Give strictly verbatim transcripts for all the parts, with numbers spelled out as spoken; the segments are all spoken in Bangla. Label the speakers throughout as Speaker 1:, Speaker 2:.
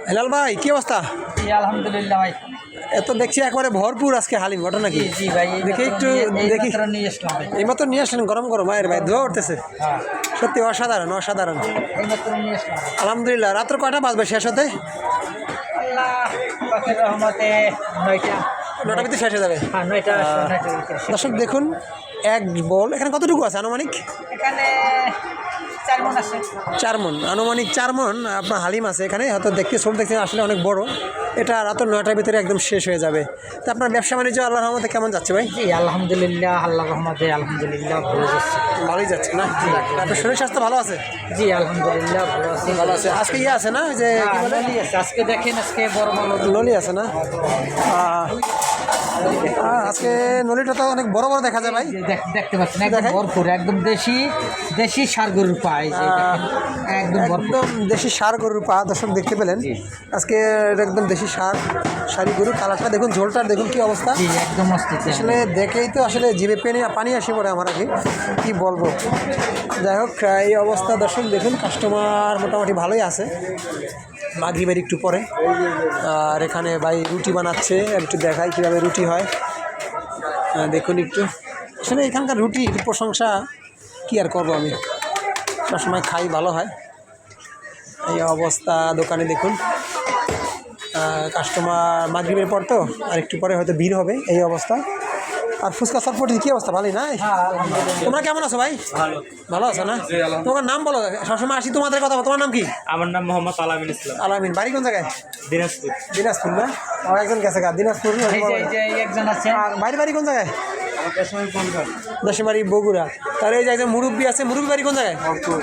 Speaker 1: হেলাল ভাই কি অবস্থা?
Speaker 2: জি আলহামদুলিল্লাহ ভাই।
Speaker 1: এত দেখছি একবারে ভরপুর আজকে হালিম, ঘটনা নাকি?
Speaker 2: জি জি ভাই,
Speaker 1: দেখি একটু দেখি।
Speaker 2: নিয়ে আসলাম ভাই।
Speaker 1: এইমাত্র নিয়ে আসলেন গরম গরম ভাইয়ের ভাই ধোয়া উঠতেছে,
Speaker 2: হ্যাঁ
Speaker 1: সত্যি অসাধারণ অসাধারণ।
Speaker 2: এইমাত্র নিয়ে আসলাম।
Speaker 1: আলহামদুলিল্লাহ। রাত্র কয়টা বাজবে শেষ হতে?
Speaker 2: আল্লাহ পাকের রহমতে নয়টা
Speaker 1: নটা ভিতরে শেষ হয়ে যাবে।
Speaker 2: হ্যাঁ নয়টা নয়টার ভিতরে শেষ।
Speaker 1: দর্শক দেখুন, এক বল এখানে কতটুকু আছে আনুমানিক?
Speaker 2: এখানে চার মন আছে।
Speaker 1: চার মন আনুমানিক চার মন আপনার হালিম আছে এখানে। হয়তো দেখতে ছোট দেখতে আসলে অনেক বড়। এটা রাত নয়টার ভিতরে একদম শেষ হয়ে যাবে। তো আপনার ব্যবসা বাণিজ্য আল্লাহর রহমতে কেমন যাচ্ছে ভাই?
Speaker 2: জি আলহামদুলিল্লাহ, আল্লাহর রহমতে আলহামদুলিল্লাহ ভালো যাচ্ছে।
Speaker 1: ভালোই যাচ্ছে না? আপনার শরীর স্বাস্থ্য ভালো আছে?
Speaker 2: জি আলহামদুলিল্লাহ ভালো আছে।
Speaker 1: ভালো আছে। আজকে ইয়ে আছে না, ওই যে কি বলে,
Speaker 2: নলি আছে আজকে, দেখেন আজকে বড় বড়
Speaker 1: নলি আছে না? আহ, আহ, আজকে নলিটা তো অনেক বড় বড় দেখা যায় ভাই।
Speaker 2: দেখ- দেখতে পাচ্ছেন একদম
Speaker 1: দেখাই?
Speaker 2: ভরপুর, একদম দেশি দেশি সার গরুর পায় একদম ভরপুর।
Speaker 1: একদম দেশি সার গরুর পা দর্শক দেখতে পেলেন আজকে। এটা একদম দেশি সার সারি গরু। কালারটা দেখুন, ঝোলটার দেখুন কি অবস্থা।
Speaker 2: জি একদম অস্থির।
Speaker 1: আসলে দেখেই তো আসলে জিভে পেনে পানি আসে পড়ে আমার আগে, কি বলবো। যাই হোক, এই অবস্থা দর্শক দেখুন, কাস্টমার মোটামুটি ভালোই আছে। মাগরিবের একটু পরে। আর এখানে ভাই রুটি বানাচ্ছে, একটু দেখাই কীভাবে রুটি হয়। আহ, দেখুন একটু, আসলে এখানকার রুটির প্রশংসা কী আর করবো, আমি সবসময় খাই, ভালো হয়। এই অবস্থা দোকানে দেখুন, কাস্টমার মাগরিবের পর তো আর একটু পরে হয়তো ভিড় হবে, এই অবস্থা। আর ফুচকা চটপটি কী অবস্থা, ভালোই না? তোমরা কেমন আছো ভাই?
Speaker 3: ভালো
Speaker 1: ভালো আছো না? তোমার নাম বলো, সবসময় আসি তোমাদের কথা। তোমার নাম কি?
Speaker 3: আমার নাম মোহাম্মদ আলামিন ইসলাম,
Speaker 1: আলামিন। বাড়ি কোন জায়গায়?
Speaker 3: দিনাজপুর।
Speaker 1: দিনাজপুর না? আমার একজন গেছে গা দিনাজপুর।
Speaker 2: এই যে- এই যে একজন আছে।
Speaker 1: আর বাড়ি বাড়ি কোন জায়গায়? দশমারি বগুড়া। তাহলে এই যে একজন মুরব্বী আছে, মুরব্বী বাড়ি কোন জায়গায়?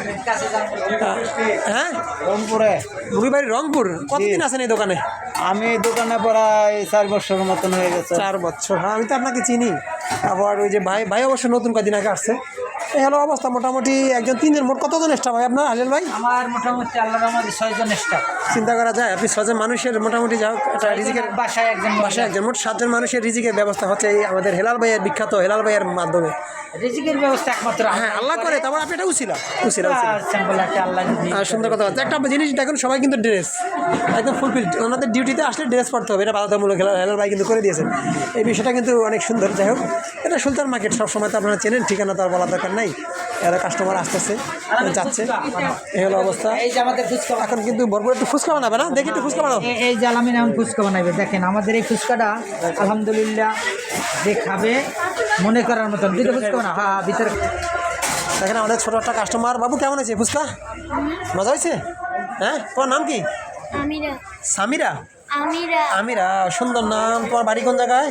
Speaker 1: হ্যাঁ
Speaker 4: রংপুরে।
Speaker 1: মুরব্বী বাড়ি রংপুর। কতদিন আছেন এই দোকানে?
Speaker 4: আমি দোকানে প্রায় চার বছরের মতন হয়ে গেছে।
Speaker 1: চার বছর। হ্যাঁ, আমি তো আপনাকে চিনি। আবার ওই যে ভাই ভাই অবশ্য নতুন কদিন আগে আসছে। এই হলো অবস্থা মোটামুটি। একজন তিনজন, মোট কতজন স্টাফ ভাই আপনার হালিল ভাই?
Speaker 2: আমার মোটামুটি আল্লাহর রহমতে ছয়জন স্টাফ।
Speaker 1: চিন্তা করা যায় আপনি ছজন মানুষের মোটামুটি যাও একটা রিজিকের
Speaker 2: বাসায় একজন
Speaker 1: বাসায় একজন, মোট সাতজন মানুষের রিজিকের ব্যবস্থা হচ্ছে এই আমাদের হেলাল ভাইয়ের, বিখ্যাত হেলাল ভাইয়ের মাধ্যমে।
Speaker 2: রিজিকের ব্যবস্থা একমাত্র
Speaker 1: হ্যাঁ, আল্লাহ করে। তারপর আপনি এটা উছিলা উছিলা উছিলা।
Speaker 2: সিম্পল একটা আল্লাহ যদি
Speaker 1: আর সুন্দর কথা হচ্ছে একটা জিনিস দেখুন, সবাই কিন্তু ড্রেস একদম ফুলফিল। ওনাদের ডিউটিতে আসলে ড্রেস পরতে হবে, এটা বাধ্যতামূলক। হেলাল ভাই কিন্তু করে দিয়েছেন এই বিষয়টা, কিন্তু অনেক সুন্দর। যাই হোক, এটা সুলতান মার্কেট, সবসময় তো আপনারা চেনেন, ঠিকানা তো আর বলার দরকার নাই। এরা কাস্টমার আসতেছে যাচ্ছে, এই হলো অবস্থা।
Speaker 2: এই যে আমাদের ফুচকা,
Speaker 1: এখন কিন্তু ভরপুর একটু ফুচকা বানাবে না? দেখি একটু ফুচকা বানাও।
Speaker 2: এই- এই যে আলামিন এখন ফুচকা বানাবে। দেখেন আমাদের এই ফুচকাটা আলহামদুলিল্লাহ যে খাবে মনে করার মতন। দুটো ফুচকা বানা, হ্যাঁ ভিতরে।
Speaker 1: দেখেন আমাদের ছোটো একটা কাস্টমার। বাবু কেমন হয়েছে ফুচকা? মজা হয়েছে? হ্যাঁ, তোমার নাম কি?
Speaker 5: আমিরা
Speaker 1: সামিরা।
Speaker 5: আমিরা
Speaker 1: আমিরা, সুন্দর নাম। তোমার বাড়ি কোন জায়গায়?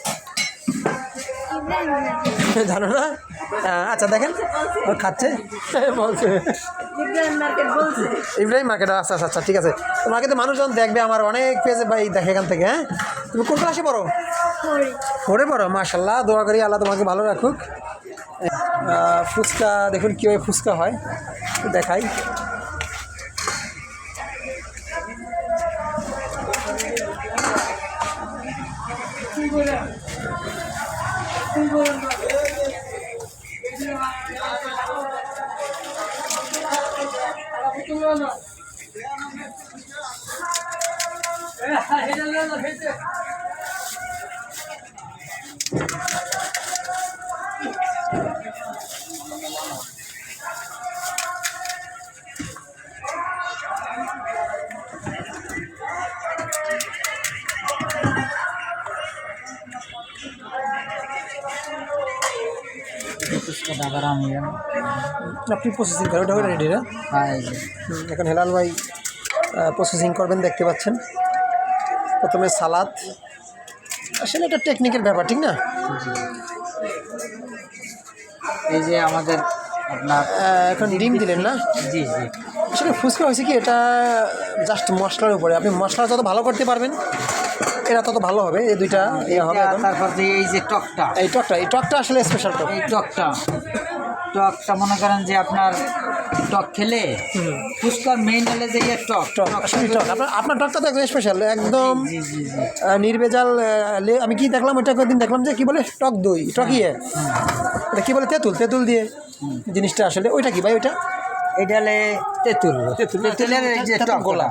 Speaker 5: ইব্রাহিম
Speaker 1: জানো না? আহ, আচ্ছা দেখেন, ও খাচ্ছে বলছে
Speaker 5: ইব্রাহিম মার্কেট বলছে।
Speaker 1: ইব্রাহিম মার্কেট। আচ্ছা আচ্ছা আচ্ছা, ঠিক আছে। তোমাকে তো মানুষজন দেখবে, আমার অনেক পেজে ভাই দেখে এখান থেকে। হ্যাঁ, তুমি কোন ক্লাসে পড়ো?
Speaker 5: পরে
Speaker 1: পড়ে পড়ো, মাশাল্লাহ। দোয়া করি আল্লাহ তোমাকে ভালো রাখুক। আহ, ফুচকা দেখুন কীভাবে ফুচকা হয়, একটু দেখাই।
Speaker 2: ফুচকাটা আবার আমি
Speaker 1: আপনি প্রসেসিং করেন, ওটা রেডি না?
Speaker 2: হ্যাঁ এই যে
Speaker 1: হুম, এখন হেলাল ভাই প্রসেসিং করবেন, দেখতে পাচ্ছেন। প্রথমে সালাদ, আসলে এটা টেকনিকের ব্যাপার, ঠিক না?
Speaker 2: এই যে আমাদের আপনার
Speaker 1: আহ, এখন ডিম দিলেন না?
Speaker 2: জি জি
Speaker 1: আসলে ফুচকা হয়েছে কি, এটা জাস্ট মশলার উপরে। আপনি মশলা যত ভালো করতে পারবেন এটা তত ভালো হবে। এই দুইটা ইয়ে হবে এখন।
Speaker 2: তারপর যে এই যে টকটা,
Speaker 1: এই টকটা এই টকটা আসলে স্পেশাল টক।
Speaker 2: এই টকটা টকটা মনে করেন যে আপনার টক খেলে ফুচকার মেইন হলে যে এই টক
Speaker 1: টক আসলে টক। আপনার আপনার টকটা তো একদম স্পেশাল, একদম
Speaker 2: জি জি জি
Speaker 1: আহ, নির্ভেজাল। আহ, লে- আমি কি দেখলাম ওইটা কয়েকদিন দেখলাম যে কি বলে টক দই, টকিয়ে এটা কী বলে, তেঁতুল তেঁতুল দিয়ে জিনিসটা। আসলে ওইটা কি ভাই? ওইটা
Speaker 2: এটা হলে তেঁতুল তেঁতুল তেঁতুলের এই যে
Speaker 1: তেঁতুল
Speaker 2: টক
Speaker 1: গোলা।
Speaker 2: গোলা।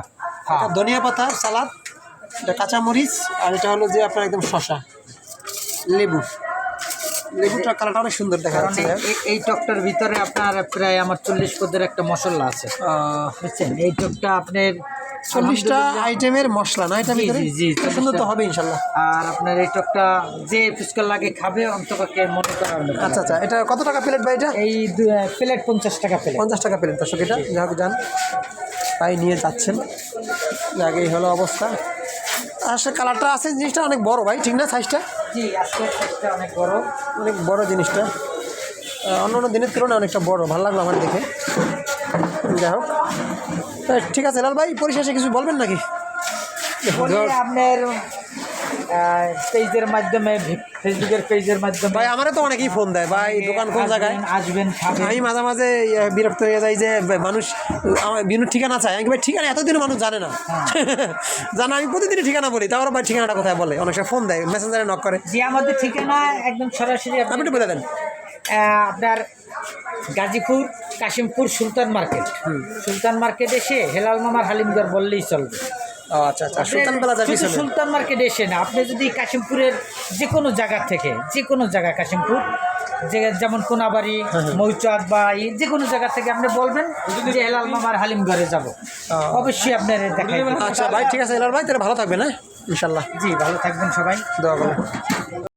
Speaker 2: হ্যাঁ।
Speaker 1: এটা ধনিয়া পাতা সালাদ, এটা কাঁচামরিচ, আর এটা হলো যে আপনার একদম শশা, লেবু। লেবুটা কালারটা অনেক সুন্দর দেখা
Speaker 2: কারণ
Speaker 1: যাচ্ছে।
Speaker 2: এই- এই- এই টকটার ভিতরে আপনার প্রায় আমার চল্লিশ পদের একটা মশলা আছে,
Speaker 1: আহ,
Speaker 2: বুঝছেন? এই টকটা আপনার
Speaker 1: চল্লিশটা
Speaker 2: আলহামদুলিল্লাহ-
Speaker 1: আইটেমের মশলা না এটা
Speaker 2: জি,
Speaker 1: ভিতরে?
Speaker 2: জি, জি,
Speaker 1: খুব সুন্দর তো
Speaker 2: চল্লিশটা।
Speaker 1: হবে ইনশাল্লাহ।
Speaker 2: আর আপনার এই টকটা যে ফুচকা লাগে খাবে অন্তপক্ষে মনে করার মতো।
Speaker 1: আচ্ছা আচ্ছা, এটা কত টাকা প্লেট ভাই? এটা
Speaker 2: এই দু- প্লেট পঞ্চাশ টাকা প্লেট।
Speaker 1: পঞ্চাশ টাকা প্লেট দর্শক। এটা যা হোক যান, তাই নিয়ে যাচ্ছেন। আগেই হলো অবস্থা। আসলে কালারটা আছে, জিনিসটা অনেক বড় ভাই, ঠিক না? সাইজটা
Speaker 2: জি, আজকে সাইজটা অনেক বড়।
Speaker 1: অনেক বড় জিনিসটা, অন্য অন্য দিনের তুলনায় অনেকটা বড়, ভালো লাগলো আমার দেখে। যাই হোক, তা ঠিক আছে লাল ভাই, পরিশেষে কিছু বলবেন নাকি?
Speaker 2: বলি আপনার পেজের মাধ্যমে, ফেসবুকের পেজের মাধ্যমে
Speaker 1: ভাই আমারে তো অনেকেই ফোন দেয়, ভাই দোকান কোন জায়গায়?
Speaker 2: আসবেন, আসবেন খাবেন।
Speaker 1: আমি মাঝে মাঝে ইয়ে বিরক্ত হয়ে যাই যে মানুষ আমার বিনুর ঠিকানা চায়। আমি কি ভাই ঠিকানা এতদিনও মানুষ জানে না, জানা আমি প্রতিদিনই ঠিকানা বলি, তারপর ভাই ঠিকানাটা কোথায় বলে, অনেক সময় ফোন দেয়, মেসেঞ্জারে নক করে।
Speaker 2: যে আমাদের ঠিকানা একদম সরাসরি
Speaker 1: আপনি
Speaker 2: আপনি
Speaker 1: একটু বলে দেন।
Speaker 2: আহ, আপনার গাজীপুর কাশিমপুর সুলতান মার্কেট, সুলতান মার্কেট এসে হেলাল মামার হালিমগড় বললেই চলবে।
Speaker 1: ও আচ্ছা আচ্ছা, সুলতান প্লাজার
Speaker 2: শুধু
Speaker 1: পিছনে।
Speaker 2: সুলতান মার্কেট এসে না, আপনি যদি কাশিমপুরের যে কোনো জায়গা থেকে, যে কোনো জায়গা কাশিমপুর, যে যেমন কোনাবাড়ি, মৌচাক বা এই যে কোনো জায়গা থেকে আপনি বলবেন যে হেলাল মামার হালিমগড়ে যাব, অবশ্যই আপনার দেখাই দেব।
Speaker 1: আচ্ছা ভাই ঠিক আছে লাল ভাই, তাহলে ভালো থাকবেন, হ্যাঁ ইনশাল্লাহ।
Speaker 2: জি, ভালো থাকবেন সবাই।
Speaker 1: দোয়া করুন।